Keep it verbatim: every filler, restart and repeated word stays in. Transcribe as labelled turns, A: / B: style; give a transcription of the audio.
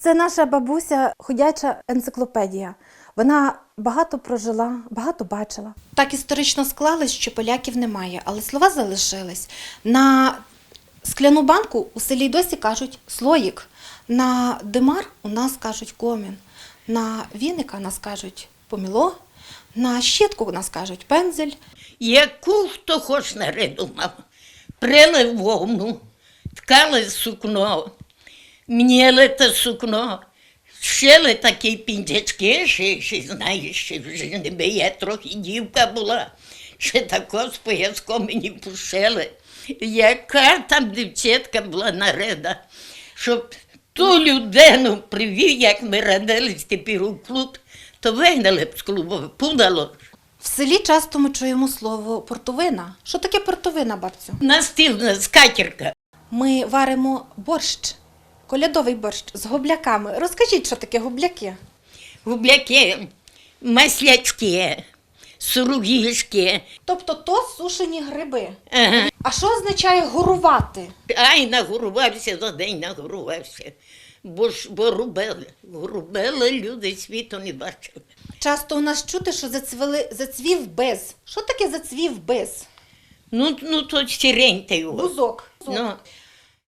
A: Це наша бабуся, ходяча енциклопедія. Вона багато прожила, багато бачила. Так історично склалось, що поляків немає, але слова залишились. На скляну банку у селі досі кажуть «слоїк», на димар у нас кажуть «комін», на віника нас кажуть «поміло», на щітку у нас кажуть «пензель».
B: Яку хто хоч наридумав. Прили вовну, ткали сукно, мніли те сукно, шили такі піндячки, ще, ще знаєш, ще вже не би я трохи дівка була, ще тако з пояском мені пошили. Яка там дівчатка була нарида, щоб ту людину привів, як ми радились тепер у клуб, то вигнали б з клубу, пудало.
A: В селі часто ми чуємо слово «портовина». Що таке портовина, бабцю?
B: Настільна скатірка.
A: Ми варимо борщ, колядовий борщ з гобляками. Розкажіть, що таке гобляки?
B: Губляки, маслячки, суругішки.
A: Тобто то сушені гриби.
B: Ага.
A: А що означає горувати?
B: Ай, нагорувався за день, нагорувався. Бо ж бо рубели. Рубели люди світу не бачили.
A: Часто у нас чути, що зацвіли, зацвів без. Що таке зацвів без?
B: Ну, ну то сірень та його.
A: Бузок.
B: Ну,